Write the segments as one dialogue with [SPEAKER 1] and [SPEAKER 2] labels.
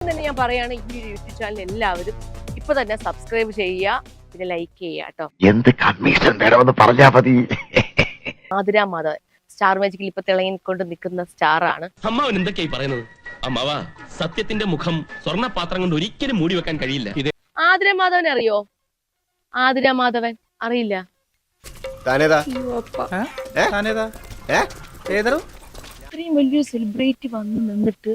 [SPEAKER 1] തന്നെ ഞാൻ പറയാണ്, ഈ യൂട്യൂബ് ചാനൽ എല്ലാവരും ഇപ്പൊ തന്നെ സബ്സ്ക്രൈബ് ചെയ്യുക, പിന്നെ ലൈക്ക് ചെയ്യുക കേട്ടോ.
[SPEAKER 2] എന്ത് കമ്മീഷൻ വേണമെന്ന് പറഞ്ഞാ മതി.
[SPEAKER 1] ആതിര മാധവൻ സ്റ്റാർ മാജിക്കിൽ ഇപ്പൊ തിളങ്ങിക്കൊണ്ട് നിൽക്കുന്ന സ്റ്റാർ ആണ്.
[SPEAKER 3] അമ്മാവൻ എന്തൊക്കെയായി പറയുന്നത്? അമ്മാവ, സത്യത്തിന്റെ മുഖം സ്വർണ്ണ പാത്രം കൊണ്ട് ഒരിക്കലും മൂടി വെക്കാൻ കഴിയില്ല.
[SPEAKER 1] ആതിര മാധവൻ അറിയോ? ആതിര മാധവൻ അറിയില്ല? ഇത്രയും വലിയൊരു സെലിബ്രിറ്റി വന്ന് നിന്നിട്ട്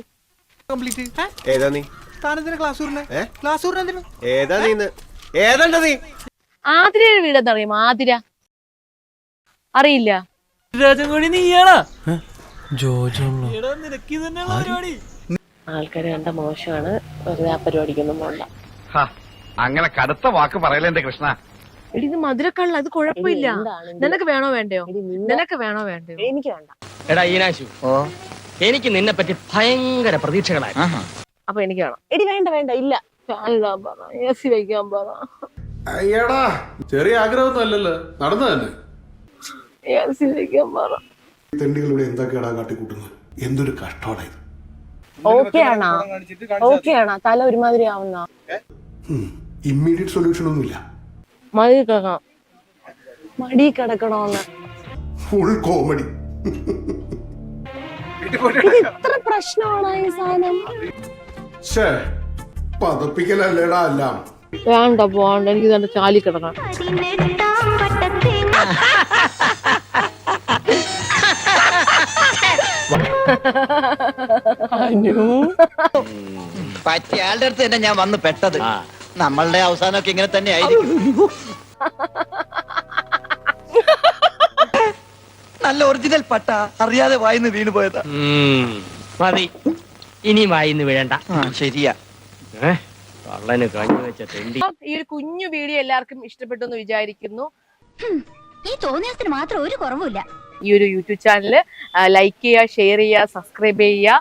[SPEAKER 1] ആതിരയുടെ വീട് എന്താ അറിയുമോ? ആതിര അറിയില്ല? ആൾക്കാര് കണ്ട മോശമാണ്, വെറുതെ ആ പരിപാടിക്കൊന്നും പോണ്ട.
[SPEAKER 2] അങ്ങനെ കടുത്ത വാക്ക് പറയല എന്റെ കൃഷ്ണ.
[SPEAKER 1] എടി ഇത് മധുരക്കള്ള, അത് കുഴപ്പമില്ല. നിനക്ക് വേണോ വേണ്ടയോ? നിനക്ക് വേണോ വേണ്ടയോ? എനിക്ക് വേണ്ട.
[SPEAKER 3] എടാ ഈനാശു, എനിക്ക് നിന്നെ പറ്റി ഭയങ്കര പ്രതീക്ഷകളായി.
[SPEAKER 1] അപ്പൊ എനിക്ക് വേണം. എടി വേണ്ട വേണ്ട, ഇല്ല എസി വയ്ക്കാൻ പറ.
[SPEAKER 4] അയ്യടാ, ചെറിയ ആഗ്രഹമൊന്നും അല്ലല്ലോ, നടന്നു തന്നെ.
[SPEAKER 1] എസി വയ്ക്കാൻ പറ.
[SPEAKER 4] തെണ്ടികളിവിടെ എന്തൊക്കെയാടാ കാട്ടിക്കൂട്ടുന്നത്? എന്തൊരു കഷ്ടമാണ് ഇത്.
[SPEAKER 1] ഓക്കെ ആണോ? ഓക്കെ ആണോ? തല ഒരുമാതിരി ആവുന്ന
[SPEAKER 4] ഇമ്മീഡിയറ്റ് സൊല്യൂഷൻ ഒന്നുമില്ല.
[SPEAKER 1] മടി കിടക്കണം, മടി കിടക്കണോന്ന്.
[SPEAKER 4] Full comedy.
[SPEAKER 1] ഇത്ര പ്രശ്നമാണോ ഈ സാധനം?
[SPEAKER 4] പതപ്പിക്കലല്ലേടാ എല്ലാം.
[SPEAKER 1] വേണ്ട പോണ്ട, എനിക്ക് തന്നെ ചാലി കിടക്കണം.
[SPEAKER 5] പറ്റിയ ആളുടെ അടുത്ത് തന്നെ ഞാൻ വന്ന് പെട്ടത്. നമ്മളുടെ അവസാനമൊക്കെ ഇങ്ങനെ തന്നെ ആയിരിക്കും. നല്ല ഒറിജിനൽ പട്ട, അറിയാതെ വായിന്ന് വീണു പോയതാ.
[SPEAKER 3] മതി, ഇനി വായിന്ന് വീഴണ്ട.
[SPEAKER 5] ശരിയാ.
[SPEAKER 3] കള്ളന് കഞ്ഞി വെച്ച തെണ്ടി.
[SPEAKER 1] ഈ ഒരു കുഞ്ഞു വീഡിയോ എല്ലാവർക്കും ഇഷ്ടപ്പെട്ടു എന്ന് വിചാരിക്കുന്നു.
[SPEAKER 6] ഈ തോന്നിയത്തിന് മാത്രം ഒരു കുറവുമില്ല.
[SPEAKER 1] ഈ ഒരു യൂട്യൂബ് ചാനൽ ലൈക്ക് ചെയ്യുക, ഷെയർ ചെയ്യുക, സബ്സ്ക്രൈബ് ചെയ്യുക.